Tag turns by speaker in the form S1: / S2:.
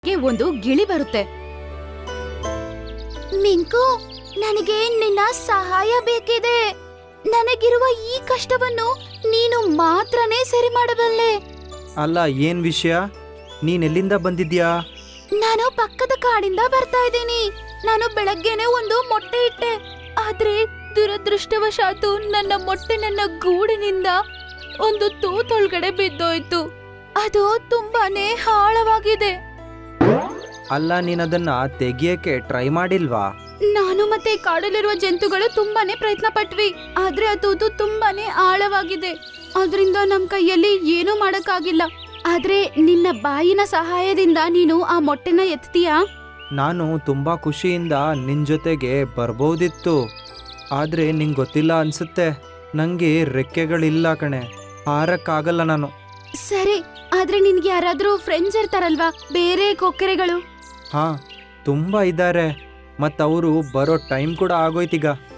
S1: ಒಂದು ಗಿಳಿ ಬರುತ್ತೆ. ಮಿಂಕು, ನನಗೆ ನಿನ್ನ ಸಹಾಯ ಬೇಕಿದೆ. ನನಗಿರುವ ಈ ಕಷ್ಟವನ್ನು ನೀನು ಮಾತ್ರನೇ ಸರಿ ಮಾಡಬಲ್ಲೆ.
S2: ಅಲ್ಲ, ಏನ್ ವಿಷಯ? ನೀನೆಲ್ಲಿಂದ ಬಂದಿದ್ಯಾ?
S1: ನಾನು ಪಕ್ಕದ ಕಾಡಿಂದ ಬರ್ತಾ ಇದ್ದೀನಿ. ನಾನು ಬೆಳಗ್ಗೆನೆ ಒಂದು ಮೊಟ್ಟೆ ಇಟ್ಟೆ. ಆದ್ರೆ ದುರದೃಷ್ಟವಶಾತು ನನ್ನ ಮೊಟ್ಟೆ ನನ್ನ ಗೂಡಿನಿಂದ ಒಂದು ತೂತೊಳಗಡೆ ಬಿದ್ದೋಯ್ತು. ಅದು ತುಂಬಾನೇ ಆಳವಾಗಿದೆ.
S2: ಅಲ್ಲ, ನೀನದನ್ನ ತೆಗಿಯಕ್ಕೆ ಟ್ರೈ ಮಾಡಿಲ್ವಾ?
S1: ನಾನು ಮತ್ತೆ ಕಾಡಲ್ಲಿರುವ ಜಂತುಗಳು ತುಂಬಾನೇ ಪ್ರಯತ್ನ ಪಟ್ವಿ. ಆದ್ರೆ ಅದು ತುಂಬಾನೇ ಆಳವಾಗಿದೆ. ಅದರಿಂದ ನಮ್ ಕೈಯಲ್ಲಿ ಏನೂ ಮಾಡಕ್ಕಾಗಿಲ್ಲ. ಆದ್ರೆ ನಿನ್ನ ಬಾಯಿನ ಸಹಾಯದಿಂದ ನೀನು ಆ ಮೊಟ್ಟೆನ ಎತ್ತೀಯಾ?
S2: ನಾನು ತುಂಬಾ ಖುಷಿಯಿಂದ ನಿನ್ ಜೊತೆಗೆ ಬರ್ಬೋದಿತ್ತು. ಆದ್ರೆ ನಿಂಗೆ ಗೊತ್ತಿಲ್ಲ ಅನ್ಸುತ್ತೆ, ನಂಗೆ ರೆಕ್ಕೆಗಳಿಲ್ಲ ಕಣೆ, ಹಾರಕ್ಕಾಗಲ್ಲ ನಾನು.
S1: ಸರಿ, ಆದ್ರೆ ನಿನ್ಗೆ ಯಾರಾದ್ರೂ ಫ್ರೆಂಡ್ಸ್ ಇರ್ತಾರಲ್ವಾ, ಬೇರೆ ಕೊಕ್ಕರೆಗಳು?
S2: ಹಾ, ತುಂಬಾ ಇದ್ದಾರೆ. ಮತ್ತವರು ಬರೋ ಟೈಮ್ ಕೂಡ ಆಗೋಯ್ತೀಗ.